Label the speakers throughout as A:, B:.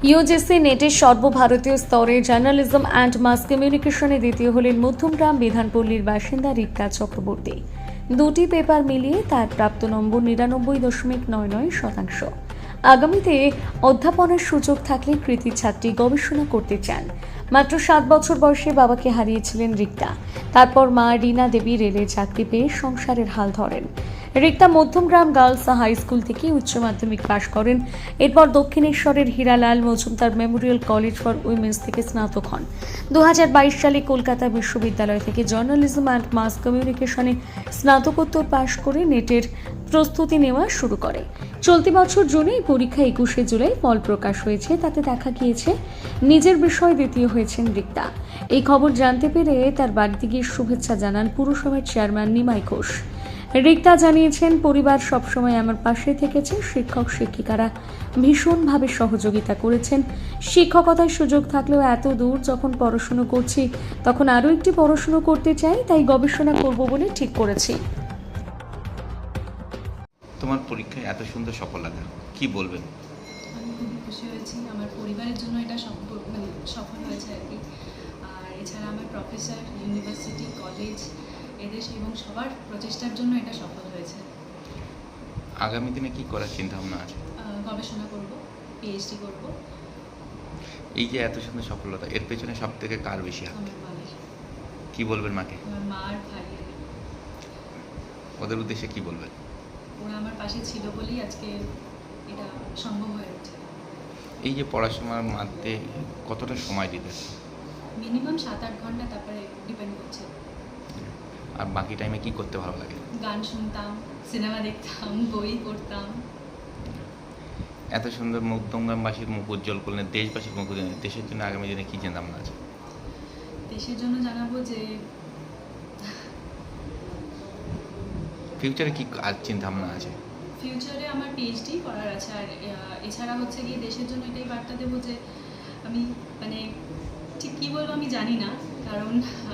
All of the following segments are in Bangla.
A: ইউজিসি নেটের সর্বভারতীয় স্তরে জার্নালিজম অ্যান্ড মাস কমিউনিকেশনে দ্বিতীয় হলেন মধ্যমগ্রাম বিধানপল্লীর বাসিন্দা রিক্তা চক্রবর্তী। দুটি পেপার মিলিয়ে তার প্রাপ্ত নম্বর 99.99%। আগামীতে অধ্যাপনার সুযোগ থাকলে কৃতি ছাত্রী গবেষণা করতে চান। মাত্র 7 বছর বয়সে বাবাকে হারিয়েছিলেন রিক্তা। তারপর মা রীনা দেবী রেলে চাকরি পেয়ে সংসারের হাল ধরেন। Rikta Madhyamgram girls high school থেকে উচ্চ মাধ্যমিক পাশ করেন। এরপর দক্ষিণেশ্বরের Hiralal Majumdar memorial college for women's থেকে স্নাতক হন। 2022 সালে কলকাতা বিশ্ববিদ্যালয় থেকে জার্নালিজম অ্যান্ড মাস কমিউনিকেশনে স্নাতকোত্তর পাশ করে নেটের প্রস্তুতি নেওয়া শুরু করে। চলতি বছর জুনে এই পরীক্ষা 21শে জুলাই ফল প্রকাশ হয়েছে। তাতে দেখা গিয়েছে নিজের বিষয়ে দ্বিতীয় হয়েছেন রিক্তা। এই খবর জানতে পেরে তার বাড়িতে গিয়ে শুভেচ্ছা জানান পুরসভার চেয়ারম্যান নিমাই ঘোষ। রিক্তা জানিয়েছেন, পরিবার সবসময় আমার পাশে থেকেছে। শিক্ষক শিক্ষিকারা ভীষণভাবে সহযোগিতা করেছেন। শিক্ষকতার সুযোগ থাকলেও এত দূর যখন পড়াশুনো করছি তখন আরও একটি পড়াশুনো করতে চাই, তাই গবেষণা করব বলে ঠিক করেছি।
B: তোমার পরীক্ষায় এত সুন্দর সফলতা, কি বলবেন?
C: আমি খুবই খুশি হয়েছি। আমার পরিবারের জন্য এটা সফল হয়েছে আর কি। আর এছাড়া আমার প্রফেসর, ইউনিভার্সিটি, কলেজ এদের এবং সবার প্রচেষ্টার জন্য এটা সফল হয়েছে।
B: আগামী দিনে কি করার চিন্তা ভাবনা আছে?
C: গবেষণা করব, পিএইচডি করব।
B: এই যে এত সুন্দর সফলতা, এর পেছনে সব থেকে কার বেশি হাত?
C: আমার মায়ের,
B: কি বলবেন মাকে?
C: আমার মা আর ভাইয়ের।
B: ওদের উদ্দেশ্যে কি বলবেন?
C: ওরা আমার পাশে ছিল বলেই আজকে এটা সম্ভব হয়ে উঠছে।
B: এই যে পড়াশোনার মধ্যে কতটা সময় দিতে?
C: মিনিমাম 7-8 ঘন্টা, তারপরে ডিপেন্ড করছে।
B: আর বাকি টাইমে কি করতে ভালো লাগে?
C: গান শুনতাম, সিনেমা দেখতাম, বই পড়তাম।
B: এত সুন্দর মধ্যমগ্রামবাসীর মুখ উজ্জ্বল করলেন, দেশবাসীর মুখ উজ্জ্বল করলেন। দেশের জন্য আগামী দিনে কি চিন্তা ভাবনা আছে?
C: দেশের জন্য জানাবো যে
B: ফিউচারে কি আর চিন্তা ভাবনা আছে?
C: ফিউচারে আমার পিএইচডি করার আছে। আর এছাড়া হচ্ছে গিয়ে দেশের জন্য এটাই বার্তা দেবো যে আমি ঠিক কী বলবো আমি জানি না, কারণ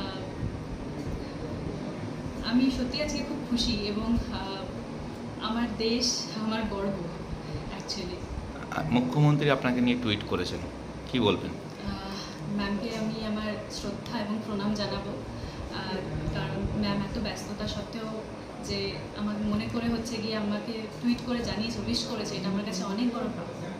C: আমি সত্যি আজকে খুব খুশি এবং আমার দেশ আমার গর্ব অ্যাকচুয়ালি।
B: মুখ্যমন্ত্রী আপনাকে নিয়ে টুইট করেছেন, কি বলবেন?
C: ম্যামকে আমি আমার শ্রদ্ধা এবং প্রণাম জানাবো, কারণ ম্যাম এত ব্যস্ততা সত্ত্বেও যে আমাকে মনে করে হচ্ছে গিয়ে আমাকে টুইট করে জানিয়েছে, উইশ করেছে, এটা আমার কাছে অনেক বড় প্রাপ্য।